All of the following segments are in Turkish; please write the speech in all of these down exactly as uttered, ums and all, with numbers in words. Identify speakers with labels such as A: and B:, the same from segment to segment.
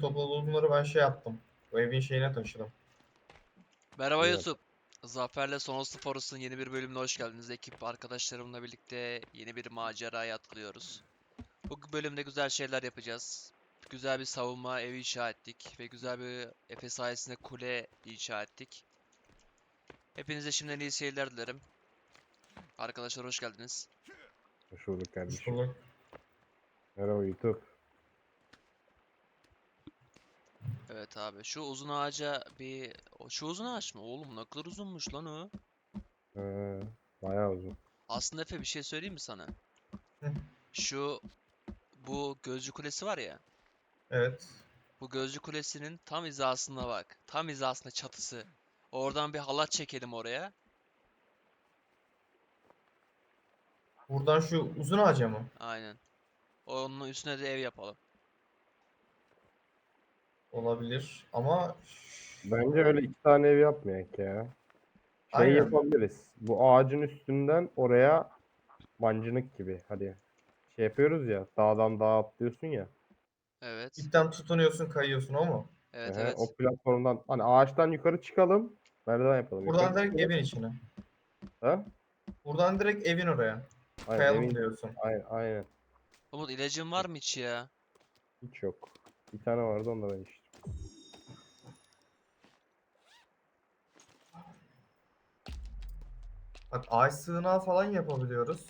A: topladığımları ben şey yaptım. Bu evin şeyine taşıdım.
B: Merhaba
C: Evet.
B: YouTube. Zafer'le Sonos Forest'ın yeni bir bölümüne hoş geldiniz. Ekip arkadaşlarımla birlikte yeni bir maceraya atılıyoruz. Bu bölümde güzel şeyler yapacağız. Güzel bir savunma evi inşa ettik ve güzel bir Efe sayesinde kule inşa ettik. Hepinize şimdiden iyi seyirler dilerim. Arkadaşlar hoş geldiniz.
C: Hoş bulduk
A: Hoş
C: kardeşim.
A: bulduk.
C: Merhaba YouTube.
B: Evet abi, şu uzun ağaca bir... O- Şu uzun ağaç mı? Oğlum ne kadar uzunmuş lan o.
C: Ee, bayağı uzun.
B: Aslında Efe bir şey söyleyeyim mi sana?
A: Hı,
B: Şu bu gözcü kulesi var ya.
A: evet.
B: Bu gözcü kulesinin tam hizasına bak. Tam hizasında çatısı. Oradan bir halat çekelim oraya.
A: Buradan şu uzun ağaca mı?
B: Aynen. Onun üstüne de ev yapalım.
A: Olabilir. Ama
C: Bence öyle iki tane ev yapmayak ya. Şey
A: aynen.
C: yapabiliriz. Bu ağacın üstünden oraya mancınık gibi. Hadi şey yapıyoruz ya. Dağdan dağa atlıyorsun ya.
B: Evet.
A: İpten tutunuyorsun, kayıyorsun o mu?
B: Evet
C: Ehe,
B: evet.
C: o platformdan hani ağaçtan yukarı çıkalım. Merdiven yapalım.
A: Buradan
C: Yukarı
A: direkt
C: çıkalım.
A: evin içine.
C: Ha?
A: Buradan direkt evin oraya.
C: Aynen
A: Kayalım
C: evin.
A: diyorsun.
C: Aynen, aynen.
B: Umut ilacın var mı hiç ya?
C: Hiç yok. Bir tane vardı onda ben içtim.
A: Bak ağaç sığınağı falan yapabiliyoruz.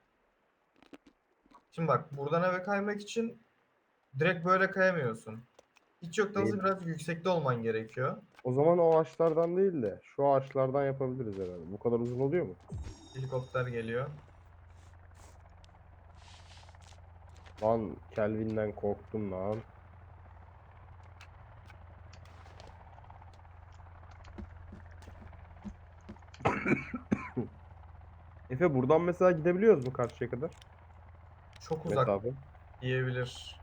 A: Şimdi bak buradan eve kaymak için direkt böyle kayamıyorsun. Hiç yoktan
C: Değil.
A: biraz yüksekte olman gerekiyor.
C: O zaman o ağaçlardan değil de şu ağaçlardan yapabiliriz herhalde. Bu kadar uzun oluyor mu?
A: Helikopter geliyor.
C: Lan Kelvin'den korktum lan. Efe buradan mesela gidebiliyoruz mu karşıya kadar?
A: Çok uzak
C: Mesafe.
A: diyebilir.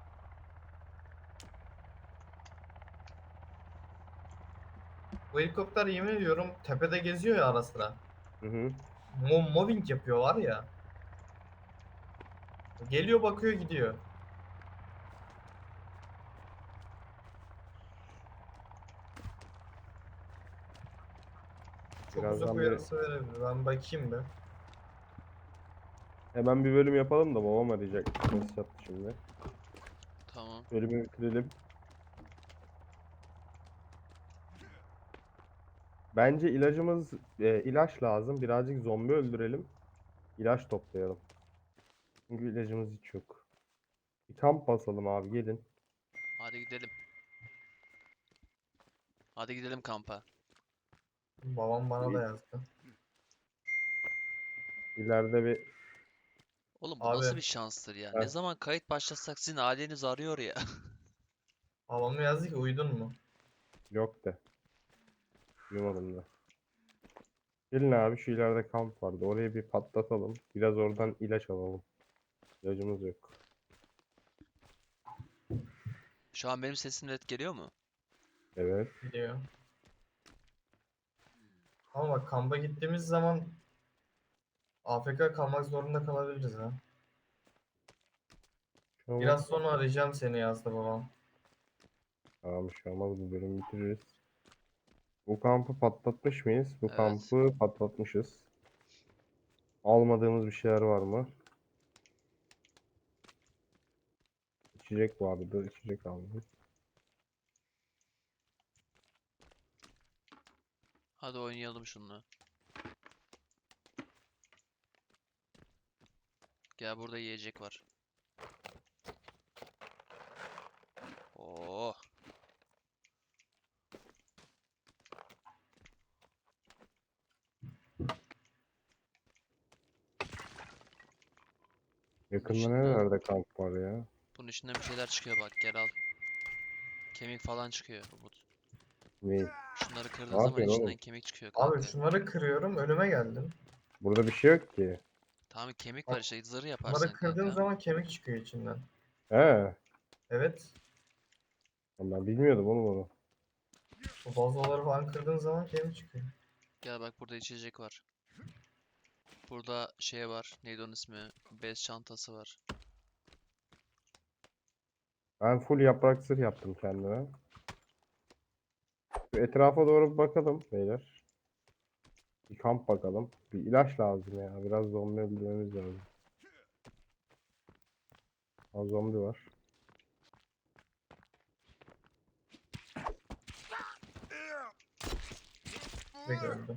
A: Bu helikopter yemin ediyorum tepede geziyor ya ara sıra.
C: Hı hı.
A: Mo mobbing yapıyorlar ya. Geliyor bakıyor gidiyor. Çok uzak
C: Birazdan bir
A: uyarısı verebilir. Ben bakayım bir.
C: hemen bir bölüm yapalım da babam arayacak. Mesaj attı şimdi.
B: Tamam.
C: Bölümü bitirelim. Bence ilacımız e, ilaç lazım. Birazcık zombi öldürelim. İlaç toplayalım. Çünkü ilacımız hiç yok. Bir kamp basalım abi gelin.
B: Hadi gidelim. Hadi gidelim kampa.
A: Babam bana da yazdı.
C: İleride bir
B: Oğlum bu
A: Abi
B: nasıl bir şanstır ya? Ne
C: Heh,
B: zaman kayıt başlatsak sizin aileniz arıyor ya.
A: babam yazdı ki uyudun mu?
C: yok de. Duymadım da. Gelin abi şu ileride kamp vardı. Oraya bir patlatalım. Biraz oradan ilaç alalım. İlacımız yok.
B: Şu an benim sesim net geliyor mu?
C: Evet.
A: Biliyor. Ama bak kampa gittiğimiz zaman A F K kalmak zorunda kalabiliriz ha.
C: Şu olmaz.
A: Biraz sonra arayacağım seni yazdı babam.
C: Tamam şu olmaz bu bölümü bitiririz. Bu kampı patlatmış mıyız? Bu
B: Evet.
C: kampı patlatmışız. Almadığımız bir şeyler var mı? İçecek vardı. İçecek aldım.
B: Hadi oynayalım şunu. Gel burada yiyecek var. Oh. Bunun
C: Yakında
B: içinden,
C: nerelerde kamp var ya?
B: bunun içinden bir şeyler çıkıyor bak gel al. Kemik falan çıkıyor Umut.
C: Ne?
B: Şunları kırdığın
C: Ne
B: zaman
C: yapıyorsun
B: içinden
C: oğlum?
B: kemik çıkıyor
A: Abi
B: kanka.
A: şunları kırıyorum önüme geldin.
C: Burada bir şey yok ki.
B: Tamam kemik var
A: Bak
B: işte zırh
A: şunları
B: yaparsan
A: kırdığın
B: kanka.
A: zaman kemik çıkıyor içinden.
C: He.
A: Evet.
C: Ben bilmiyordum oğlum onu.
A: Bu vazoları falan kırdığın zaman kemik çıkıyor.
B: Gel bak burada içecek var. Burada şey var. Neydi onun ismi? Bez çantası var.
C: Ben full yaprak zırh yaptım kendime. Şu etrafa doğru bir bakalım beyler. Bir kamp bakalım. Bir ilaç lazım ya. Biraz zombi öldürmemiz lazım. Az zombi var.
A: Direkt öldü.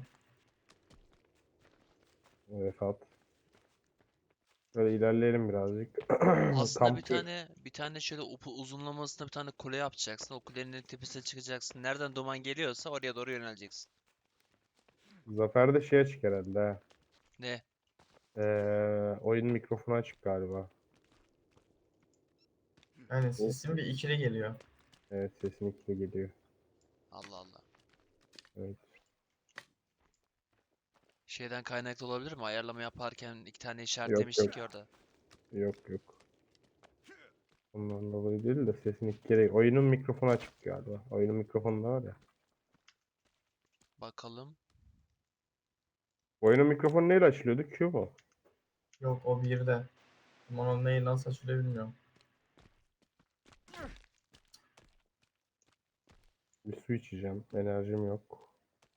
C: Vefat. Böyle ilerleyelim birazcık.
B: Aslında bir
C: Kampı
B: tane bir tane şöyle upu uzunlamasına bir tane kule yapacaksın. O kulenin tepesine çıkacaksın. Nereden duman geliyorsa oraya doğru yöneleceksin.
C: Zafer'de şey açık herhalde. Ha.
B: Ne?
C: Ee, oyun mikrofonu açık galiba.
A: Yani
C: O,
A: sesin bir ikili geliyor.
C: evet sesin ikili geliyor.
B: Allah Allah.
C: Evet.
B: Şeyden kaynaklı olabilir mi? Ayarlama yaparken iki tane
C: Yok
B: işaretlemiştik
C: yok.
B: ya orada.
C: Yok yok. Ondan dolayı değil de sesin iki kere. Oyunun mikrofonu açık galiba. Oyunun mikrofonu da var ya.
B: Bakalım.
C: Oyunun mikrofonu neyle açılıyordu? Q mu?
A: Yok o birde. Ama onun neyi nasıl açılıyor bilmiyorum.
C: Bir su içeceğim. Enerjim yok.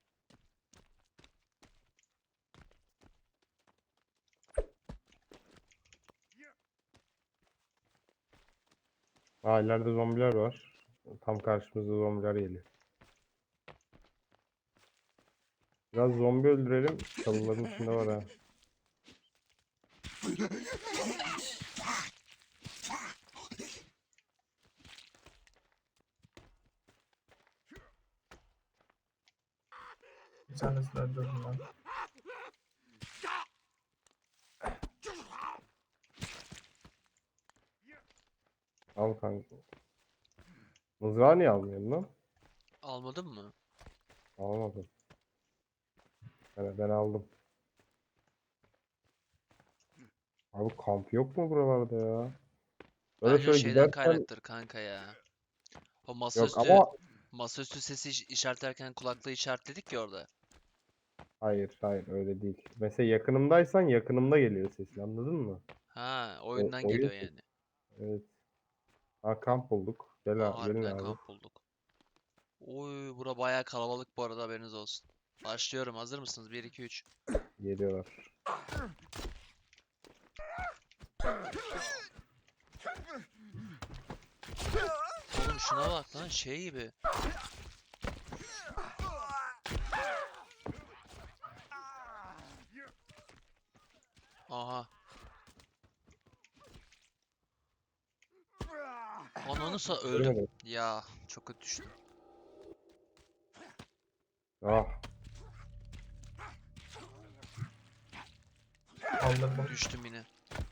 C: Aa ileride zombiler var. Tam karşımızda zombiler geliyor. Biraz zombi öldürelim. Çalıların içinde var ha.
A: Bir tanesini öldürdüm ben.
C: Al kanka. Mızrağı niye almıyorsun lan?
B: Almadın mı?
C: Almadım. Ben, ben aldım. Abi kamp yok mu buralarda ya? Böyle
B: Bence o
C: şöyle
B: şeyden
C: gidersen
B: kaynaktır kanka ya. O
C: yok
B: masaüstü
C: ama
B: masaüstü sesi iş- işaretlerken kulaklığı işaretledik ya orada.
C: hayır hayır öyle değil. Mesela yakınımdaysan yakınımda geliyor sesin anladın mı?
B: Ha,
C: O,
B: oyundan
C: oyun
B: geliyor
C: sesi.
B: yani.
C: Evet. Ha kamp bulduk. Gel,
B: Aa,
C: a- gelin
B: harbiden
C: abi.
B: kamp bulduk. Oy, bura bayağı kalabalık bu arada, haberiniz olsun. Başlıyorum. Hazır mısınız? bir iki üç.
C: Geliyorlar.
B: Oğlum şuna bak lan, şey gibi. Aha. Ananı sa öldüm.
C: Görmedim.
B: Ya çok kötü düştüm.
C: Ah.
A: Kaldırdım.
B: Düştüm yine.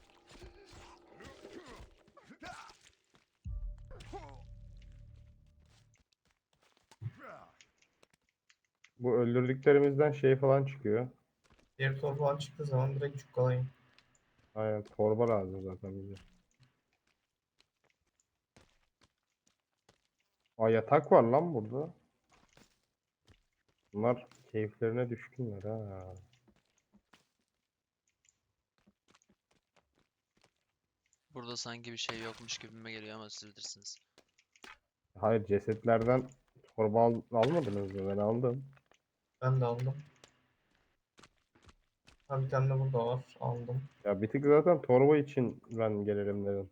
C: Bu öldürdüklerimizden şey falan çıkıyor.
A: Diğer torba falan çıktığı zaman direkt çukkalayın.
C: Aynen torba lazım zaten bize. Aa yatak var lan burada. Bunlar keyiflerine düşkünler ha.
B: Burada sanki bir şey yokmuş gibime geliyor ama siz bilirsiniz.
C: Hayır cesetlerden torba al almadınız mı? Ben aldım.
A: Ben de aldım. Ha bir tane de burada var. Aldım.
C: Ya bir tık zaten torba için ben gelirim dedim.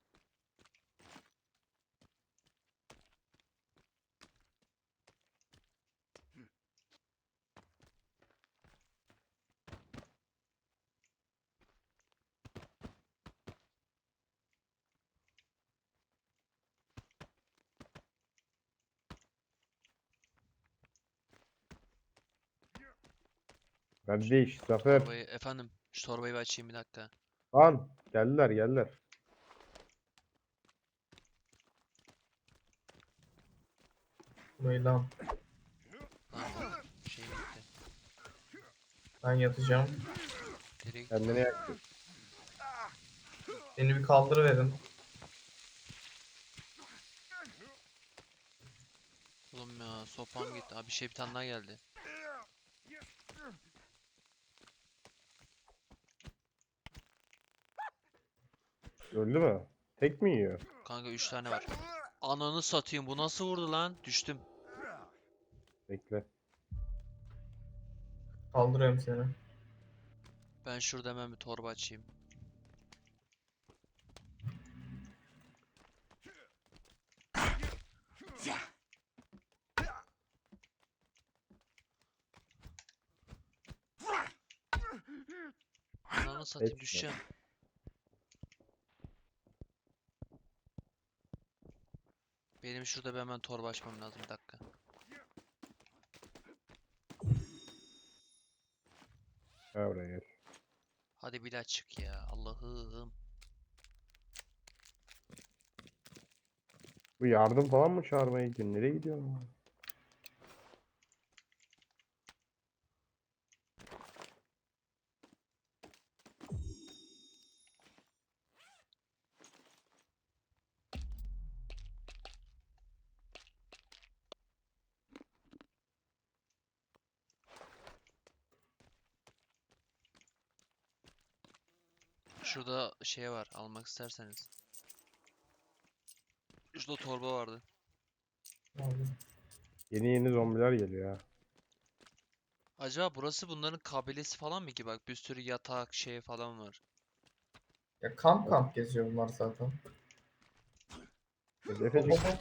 C: Kardeş Zafer.
B: Torbayı efendim, şu torbayı bir açayım bir dakika.
C: Lan geldiler geldiler.
A: Burayı lan.
B: Lan bu şey gitti.
A: Ben yatacağım.
B: Nereye gitti?
C: Kendini yaktı.
A: Beni bir kaldırıverin.
B: Oğlum ya, sopam gitti. Abi bir şey, bir tane daha geldi.
C: Öldü mü? Tek mi yiyor?
B: Kanka üç tane var. Ananı satayım, bu nasıl vurdu lan? Düştüm.
C: Bekle.
A: Kaldırıyorum seni.
B: Ben şurada hemen bir torba açayım. Ananı satayım,
C: Etme.
B: düşeceğim. Benim şurada bir hemen torba açmam lazım, bir dakika.
C: Gel buraya gel.
B: Hadi bir daha çık ya, Allah'ım.
C: Bu yardım falan mı çağırmaya gidiyorsun? Nereye gidiyorsun?
B: Şurada şey var, almak isterseniz. Şurada torba vardı.
A: Aldım.
C: Yeni yeni zombiler geliyor ha.
B: Acaba burası bunların kabilesi falan mı ki? Bak bir sürü yatak şey falan var.
A: Ya kamp kamp geziyor bunlar zaten.
C: Efe
A: Hop
C: çık.
A: hop hop.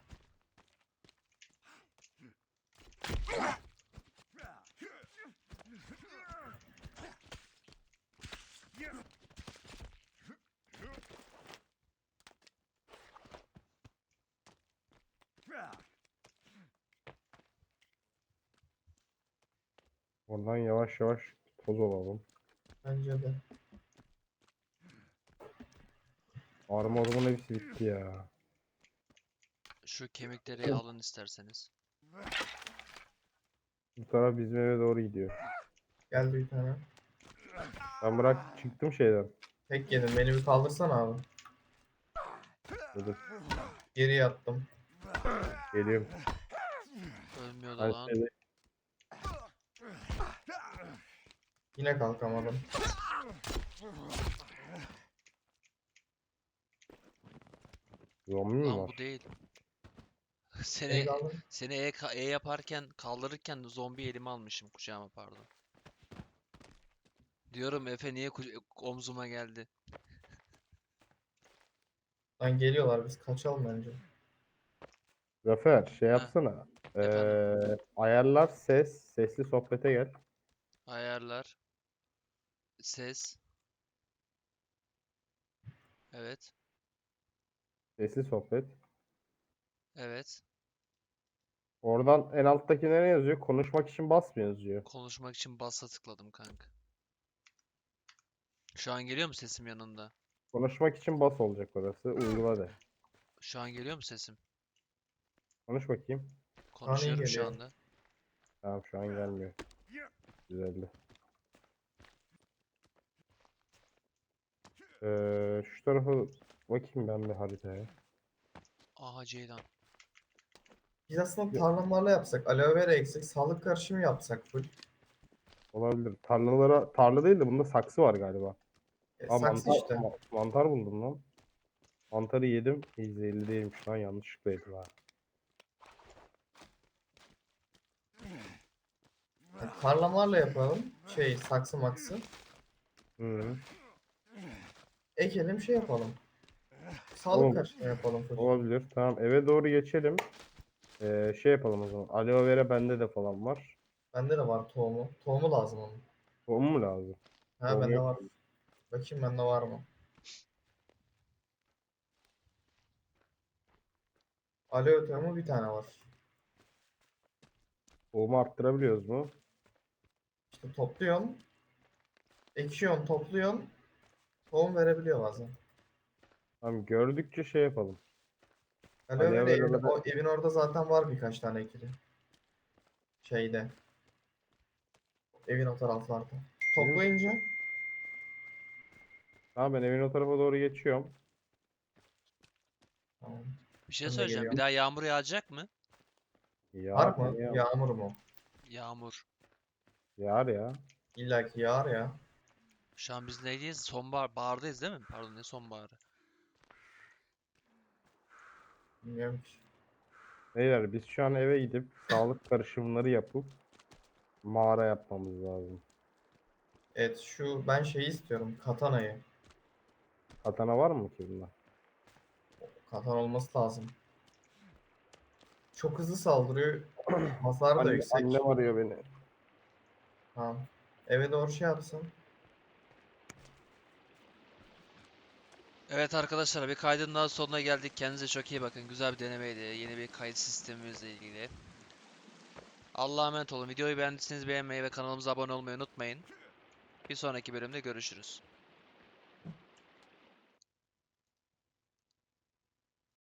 C: Oradan yavaş yavaş toz olalım.
A: Bence de.
C: Armorumun hepsi bitti ya.
B: Şu kemikleri alın isterseniz.
C: Bu taraf bizim eve doğru gidiyor.
A: Geldi bir tane.
C: Ben bırak çıktım şeyden.
A: Tek yedim. Beni bir kaldırsana abi.
C: Dedim.
A: Geri yattım.
C: Geliyorum.
B: Ölmüyordu
C: Ben
B: lan.
C: şeyde
A: Yine kalkamadım.
C: zombi mi
B: Lan
C: var?
B: bu değil.
A: Beni
B: Seni
A: kaldır.
B: seni E, ka- E yaparken kaldırırken zombi elime almışım kucağıma, pardon. Diyorum Efe niye kuca- omzuma geldi?
A: Lan geliyorlar, biz kaçalım bence.
C: Zafer şey
B: Heh,
C: yapsana.
B: efendim.
C: Ee, ayarlar ses. Sesli sohbete gel.
B: Ayarlar. Ses. Evet.
C: Sesli sohbet.
B: Evet.
C: Oradan en alttaki ne yazıyor? Konuşmak için bas mı yazıyor?
B: Konuşmak için basa tıkladım kanka. Şu an geliyor mu sesim yanında?
C: Konuşmak için bas olacak orası. Uygula de.
B: Şu an geliyor mu sesim?
C: Konuş bakayım.
A: Şu an iyi
B: Konuşuyorum şu
A: geliyor.
B: anda.
C: Tamam şu an gelmiyor. Güzeldi. Ee, şu tarafa bakayım ben bir haritaya.
B: Aha Ceylan.
A: Biz aslında
C: Ya-
A: tarlamalarla yapsak. Aloe vera eksik. Sağlık karışımı yapsak full.
C: Olabilir. Tarlalara, tarla değil de bunda saksı var galiba.
A: E,
C: Aa
A: saksı
C: mantar,
A: işte.
C: ma- mantar buldum lan. Mantarı yedim. zehirli değilmiş lan, yanlışlıkla yedim ha.
A: E, tarlamalarla yapalım. Şey, saksı maksı.
C: Hı.
A: Ekelim, şey yapalım. Sağlık
C: Oğlum
A: karışımı yapalım full.
C: olabilir. Tamam eve doğru geçelim. Ee, şey yapalım o zaman. Aloe vera bende de falan var.
A: Bende de var tohumu. Tohumu lazım onun.
C: Tohum mu lazım?
A: Ha,
C: Tohum
A: bende
C: yok.
A: var. Bakayım bende var mı? Aloe tohumu bir tane var.
C: Tohumu arttırabiliyoruz mu?
A: İşte topluyorsun. Ekiyorsun, topluyorsun. Tohum verebiliyor bazen.
C: Tamam gördükçe şey yapalım.
A: Aloe
C: Aloe
A: vera evin,
C: vera
A: o, evin orada zaten var birkaç tane ekili. Şeyde. Evin o taraflarda.
C: Benim...
A: Toplayınca
C: Tamam ben evin o tarafa doğru geçiyorum.
A: tamam.
B: Bir şey
A: Ben de
B: söyleyeceğim. Bir
A: geliyorum.
B: daha yağmur yağacak mı?
C: Yağar
A: Var mı?
C: ya.
A: Yağmur mu?
B: Yağmur.
C: Yağar ya.
A: İlla ki yağar ya.
B: Şu an biz neydeyiz? Sonbahar, bahardayız değil mi? Pardon, ne sonbaharı?
A: Bilmiyorum ki.
C: Beyler biz şu an eve gidip sağlık karışımları yapıp mağara yapmamız lazım.
A: Evet şu ben şeyi istiyorum. Katana'yı.
C: Katana var mı ki bunda?
A: Katana olması lazım. Çok hızlı saldırıyor. Hasarı da
C: Anne,
A: yüksek.
C: annem arıyor beni.
A: Tamam. Eve doğru şey yapsın.
B: Evet arkadaşlar, bir kaydın daha sonuna geldik. Kendinize çok iyi bakın. Güzel bir denemeydi. Yeni bir kayıt sistemimizle ilgili. Allah'a emanet olun. Videoyu beğendiyseniz beğenmeyi ve kanalımıza abone olmayı unutmayın. Bir sonraki bölümde görüşürüz.